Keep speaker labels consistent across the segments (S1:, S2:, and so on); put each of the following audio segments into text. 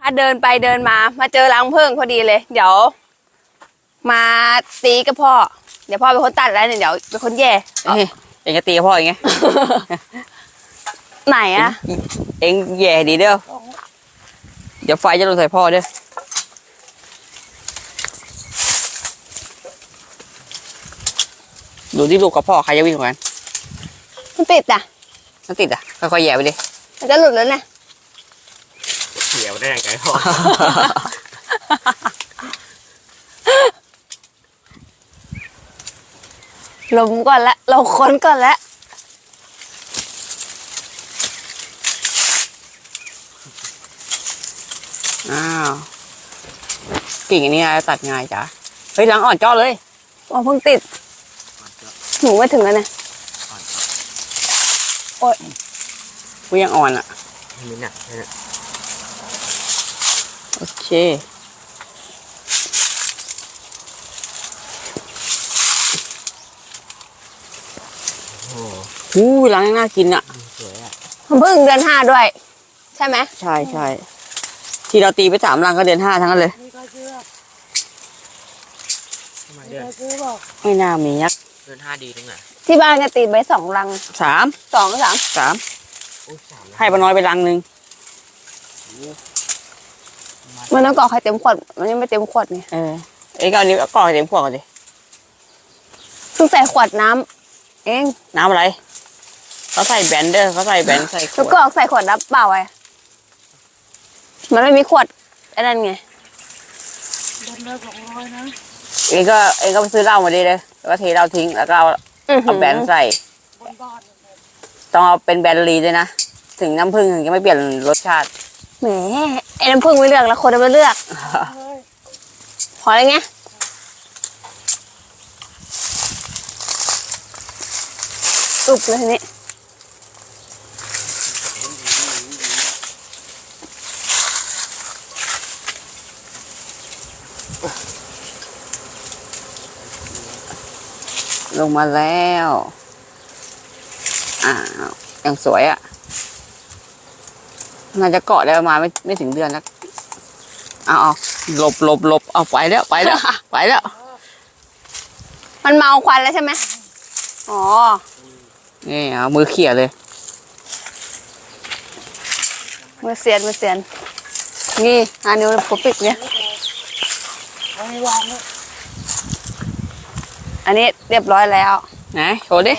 S1: ค่ะเดินไปเดินมาเจอรังผึ้งพอดีเลยเดี๋ยวมาตีกับพ่อเดี๋ยวพ่อเป็นคนตัดแล้วเนี่ยเดี๋ยวเป็นคนแย่
S2: เองจะตีกับพ่ออย่างไง
S1: ไหนอะ
S2: เองแย่ดีเด้อเดี๋ยวไฟจะลงใส่พ่อเด้อดูที่ลูกกับพ่อใครจะวิ่งกว่ากัน
S1: มันติดอ่ะ
S2: มันติดอ่ะค่อยๆแย่ไปดิ
S1: มันจะหลุดแล้วเนี่ย
S3: เขียวได้ยังไงพ่อ
S1: ลมก่อนละเราค้นก่อนละ
S2: อ้าวกิ่งอันนี้ตัดง่ายจ้ะเฮ้ยหลังอ่อนจ้อเลย
S1: อ๋อเพิ่งติดหนูไม่ถึงแล้วเนี่ยโอ๊ย
S2: กูยังอ่อนอ่ะ
S3: มีหนักเลย
S2: โอเค
S3: โอ้
S2: โหหลังน่ากินอ่ะ
S3: สวยอ่ะ
S1: มันเพิ่งเดือน 5ด้วยใช่ไหม
S2: ใช่ใช่ที่เราตีไป3 รังก็เดือน 5ทั้งนั้นเลยไม่น่ามียักษ์
S3: เดือน 5ดีตรงไหน
S1: ที่บ้านก็ตีไป2 รัง
S2: 3 ให้ป้าน้อยไปรังนึง
S1: มันต้องกรอกให้เต็มขวดมันยังไม่เต็มขวดไง
S2: เอ้ก็อันนี้กรอกให้เต็มขวดก่อนดิ
S1: เพิ่งใส่ขวดน้ำเอง
S2: น้ำอะไรเขาใส่แบนเดอร์เขาใส่แบนใส่ขวด
S1: แล้วกรอกใส่ขวดน้ำเปล่าไงมันไม่มีขวดไอ้นั่นไง
S2: เองก็ไปซื้อเหล้ามาดิเลยแล้วก็เทเหล้าทิ้งแล้วก็เอาแบนใส่ต้องเอาเป็นแบนลีด้วยนะถึงน้ำผึ้งถึงจะไม่เปลี่ยนรสชาติ
S1: แหมไอ้น้ำผึ้งไม่เลือกแล้วคนจะมาเลือกพออะไรเงี้ยอุบเลยทีนี้
S2: ลงมาแล้วยังสวยอ่ะน่าจะเกาะได้ประมาณไม่ถึงเดือนแล้วเอาหลบเอาไปแล้วไปแล้ว
S1: มันเมาควันแล้วใช่ไหมอ๋อ
S2: นี่เอามือเขี่ยเลย
S1: มือเสียนนี่นิ้วผมปิดเนี่ยอันนี้เรียบร้อยแล้ว
S2: ไหนโชว์ดิ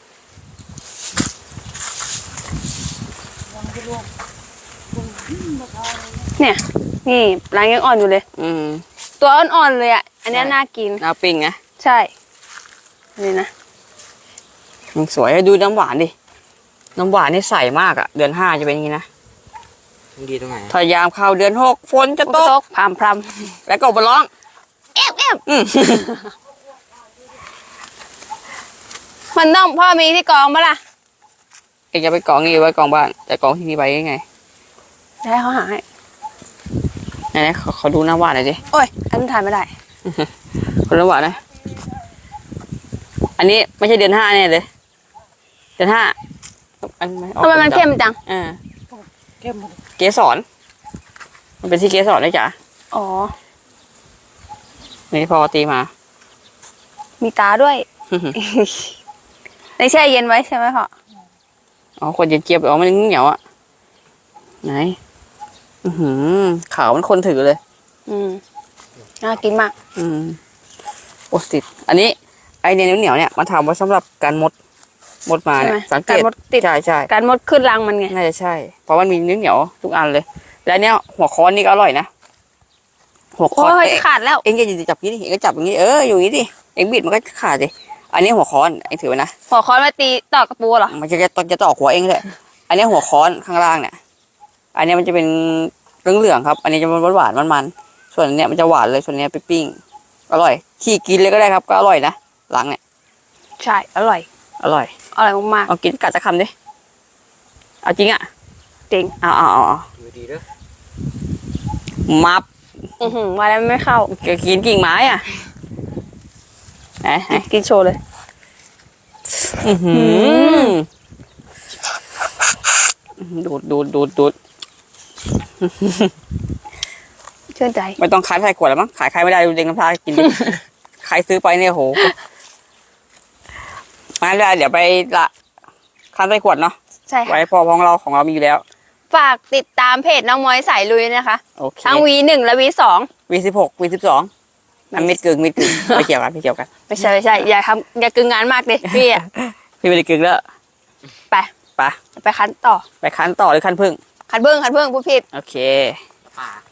S1: เนี่ยนี่รังยังอ่อนอยู่เลยตัวอ่อนๆเลยอ่ะอันนี้น่ากิน
S2: น่าปิ้งนะ
S1: ใช่นี่นะ
S2: ยังสวยดูน้ำหวานดิน้ำหวานนี่ใสมากอ่ะเดือน 5จะเป็นอย่างนี้นะ
S3: ดีตรงไหน
S2: พยายามเข้าเดือน 6ฝนจะตก
S1: พรำ
S2: แล้วก็มาร้อง
S1: เอฟมันต้องพ่อมีที่กองมาล่ะ
S2: เองจะไปกองนี่ไว้กองบ้านแต่กองที่นี่ไปยังไง
S1: ได้เขาหาให้
S2: ไหนเขาดูน้ำหวานหน่อยดิ
S1: โอ้ยอันนี้ถ่ายไม่ได้
S2: คนน้ำหวานนะอันนี้ไม่ใช่เดือน 5แน่เลยเดือน 5
S1: ทำไมมันเข้มจัง
S2: เกสรมันเป็นที่เกสรนะจ๊ะ
S1: อ๋อ
S2: นี่พอตีมา
S1: มีตาด้วยในแช่เย็นไว้ใช่ไหมพ่อ
S2: อ๋อคนเย็นเจี๊ยบมันเหนียวอ่ะไหนขาวมันคนถือเลย
S1: น่ากินมาก
S2: โอ้ติดอันนี้ไอเนี่ยเหนียวเนี่ยมาทำไว้สำหรับการมดมาเนี่ยสังเกต
S1: การมดติด
S2: ใช่
S1: การมดขึ้นรังมันไง
S2: น่าจะใช่เพราะมันมีเหนียวทุกอันเลยแล้วเนี้ยหัวค้อนนี่ก็อร่อยนะ
S1: หัวค้อนขาดแล้ว
S2: เอ็งจะจับอย่างนี้ดิเอ็งก็จับอย่างนี้อยู่อย่างนี้ดิเอ็งบิดมันก็ขาดดิอันนี้หัวค้อนเอ็งถือไว้นะ
S1: หัวค้อนมาตีตอกกระปูเหรอ
S2: มันจะตอกหัวเอ็งเลยอันนี้หัวค้อนข้างล่างเนี่ยอันนี้มันจะเป็นเหลืองครับอันนี้จะหวานมันส่วนเนี้ยมันจะหวานเลยส่วนนี้ไปปิ้งอร่อยขี่กินเลยก็ได้ครับก็อร่อยนะหลังเนี่ย
S1: ใช่อร่อยมาก
S2: เอากินกัดตะคำดิเอาจริงอ่ะ
S1: จริง
S2: เอา
S3: ดีด้วย
S2: มับ
S1: มาแล้วไม่เข้า
S2: กินกิ่งไม้อ่ะไหน
S1: กินโชว์เลย
S2: ดูด
S1: ชื่นใจ
S2: ไม่ต้องคั้นใส่ขวดแล้วมั้งขายใครไม่ได้ดูเด็กน้ำชากินดิ ใครซื้อไปเนี่ยโหมาแล้วเดี๋ยวไปละคั้นใส่ขวดเนาะ
S1: ใช่ค่ะ
S2: ไว้พอของเรามีอยู่แล้ว
S1: ฝากติดตามเพจน้องมอยสายลุยนะคะ
S2: โอเค
S1: ทั้ง V1 และ V2
S2: V16 V12อันมิดกึ่งไม่เกี่ยวกันไม่เกี่ยวกัน
S1: ไม่ใช่อย่ากึ่งงานมากดิพี่อะ
S2: พี่ไม่ได้กึ่งแล้ว
S1: ไป
S2: ไป
S1: ไปคั้นต่อ
S2: ไปคั้นต่อหรือคั้นพึ่ง
S1: คั้นเบิ้งพูดผิด
S2: โอเค
S3: ป่า